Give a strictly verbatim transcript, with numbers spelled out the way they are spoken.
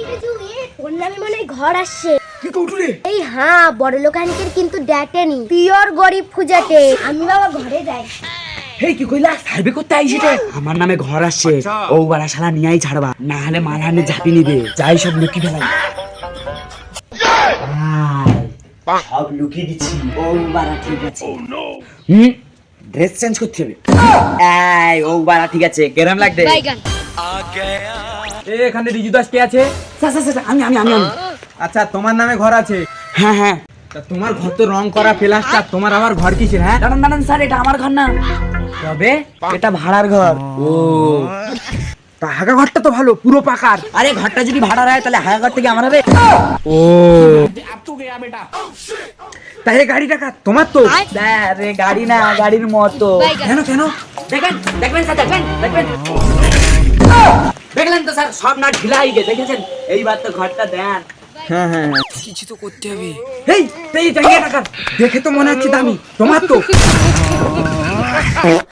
ওর নামে মনে হয় ঘর আসছে। কি কৌটুরে? এই হ্যাঁ, বড় লোক আঙ্কেল কিন্তু ডেটেনি, পিওর গরিব খুঁজেতে। আমি বাবা ঘরে যাই। হেই কি কইলা? সার্ভে করতে আইছিতে? আমার নামে ঘর আসছে, ও বাড়া শালা নিয়াই ছাড়বা, না হলে মারহানে ঝাঁপি নিবে। যাই সব লুকি ফেলাই। সব লুকিয়ে দিচ্ছি, ও বাড়া ঠিক আছে। হুম, ড্রেস চেঞ্জ করতে হবে। এই ও বাড়া ঠিক আছে, কেরাম লাগবে? এ এখানে রিজু দাস কে আছে? স্যার স্যার স্যার, আমি আমি আমি আমি আচ্ছা তোমার নামে ঘর আছে? হ্যাঁ হ্যাঁ। তা তোমার ঘর তো রং করা প্লাস্টার, তোমার আবার ঘর কিসের? হ্যাঁ দাঁড়ান দাঁড়ান স্যার, এটা আমার ঘর না, তবে এটা ভাড়ার ঘর। ও তা হাগা ঘরটা তো ভালো, পুরো পাকার। আরে ঘরটা যদি ভাড়া হয় তাহলে হায়া ঘর থেকে আমার হবে। ও তাই গাড়িটা কার? তোমার তো? আরে গাড়ি না, গাড়ির মতো। কেন কেন? দেখেন দেখবেন স্যার, দেখবেন দেখবেন, দেখলেন তো স্যার, সব না ঢিলা হয়ে গেছে, দেখেছেন? এইবার তো ঘরটা দেন। হ্যাঁ হ্যাঁ হ্যাঁ। কিছু তো করতে হবে। এই এই জায়গাটা কার? দেখে তো মনে হচ্ছে দামি, তোমার তো?